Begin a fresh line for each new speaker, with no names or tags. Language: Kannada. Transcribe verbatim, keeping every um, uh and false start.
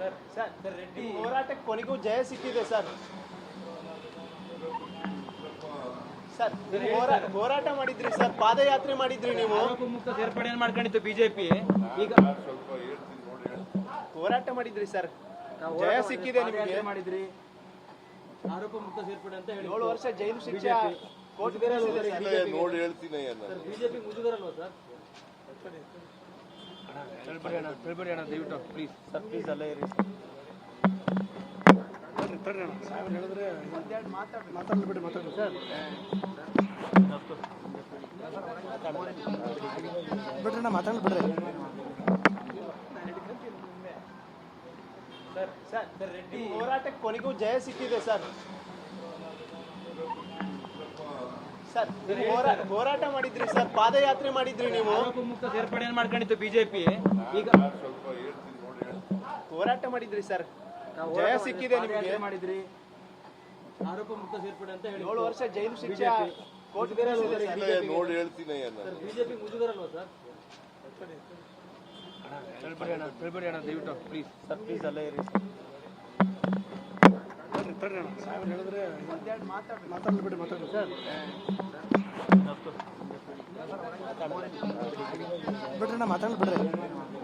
ಸರ್ ಸರ್ ರೆಡ್ಡಿ ಹೋರಾಟಕ್ಕೆ ಕೊನೆಗೂ ಜಯ ಸಿಕ್ಕಿದೆ ಸರ್. ಸರ್ ಹೋರಾಟ ಮಾಡಿದ್ರಿ ಸರ್, ಪಾದಯಾತ್ರೆ ಮಾಡಿದ್ರಿ ನೀವು.
ಆರೋಪ ಮುಕ್ತ ಸೇರ್ಪಡೆಯನ್ನು ಮಾಡ್ಕೊಂಡಿತ್ತು ಬಿಜೆಪಿ. ಈಗ
ಹೋರಾಟ ಮಾಡಿದ್ರಿ ಸರ್, ಜಯ ಸಿಕ್ಕಿದೆ ನಿಮಗೆ.
ಮಾಡಿದ್ರಿ ಆರೋಪ ಮುಕ್ತ ಸೇರ್ಪಡೆ ಅಂತ ಹೇಳಿ
ಏಳು ವರ್ಷ ಜೈಲು ಶಿಕ್ಷೆ ಕೋರ್ಟ್
ನೋಡಿ ಹೇಳ್ತೀನಿ.
ಬಿಜೆಪಿ ಮುಜುಗರಲ್ವಾ ಸರ್?
ಹೇಳ್ಬೇಡಿ ಅಣ್ಣ, ಹೇಳ್ಬೇಡಿ ಅಣ್ಣ ದಯವಿಟ್ಟು ಪ್ಲೀಸ್ ಸರ್, ಪ್ಲೀಸ್ ಅಲ್ಲೇ ಇರಿ ಸರ್. ಹೇಳಿದ್ರೆ ಮಾತಾಡ್ಬಿಡಿ ಮಾತಾಡಿ ಸರ್. ಬಿಡ್ರಿ ಅಣ್ಣ, ಮಾತಾಡ್ಬಿಡ್ರಿ ಸರ್. ಸರ್ ರೆಡ್ಡಿ ಹೋರಾಟಕ್ಕೆ ಕೊನೆಗೂ ಜಯ ಸಿಕ್ಕಿದೆ ಸರ್. ಸರ್ ಹೋರಾಟ ಮಾಡಿದ್ರಿ ಸರ್, ಪಾದಯಾತ್ರೆ ಮಾಡಿದ್ರಿ ನೀವು.
ಆರೋಪ ಮುಕ್ತ ಸೇರ್ಪಡೆಯನ್ನು ಮಾಡ್ಕೊಂಡಿತ್ತು ಬಿಜೆಪಿ. ಈಗ
ಹೋರಾಟ ಮಾಡಿದ್ರಿ ಸರ್, ಜಯ ಸಿಕ್ಕಿದೆ ನಿಮಗೆ.
ಮಾಡಿದ್ರಿ ಆರೋಪ ಮುಕ್ತ ಸೇರ್ಪಡೆ ಅಂತ ಹೇಳಿ
ಏಳು ವರ್ಷ ಜೈಲು ಶಿಕ್ಷೆ ಕೋರ್ಟ್
ನೋಡಿ ಹೇಳ್ತೀನಿ.
ಬಿಜೆಪಿ ಮುಜುಗರಲ್ವಾ ಸರ್?
ಹೇಳ್ಬೇಡಿ ಅಣ್ಣ, ಹೇಳ್ಬೇಡಿ ಅಣ್ಣ ದಯವಿಟ್ಟು ಪ್ಲೀಸ್ ಸರ್, ಪ್ಲೀಸ್ ಅಲ್ಲೇ ಇರಿ ಹೇಳಿದ್ರೆ ಮಾತಾಡ್ಬಿಡಿ ಮಾತಾಡಿ ಸರ್. ಬಿಡ್ರಿ ಅಣ್ಣ, ಮಾತಾಡ್ಬಿಡ್ರಿ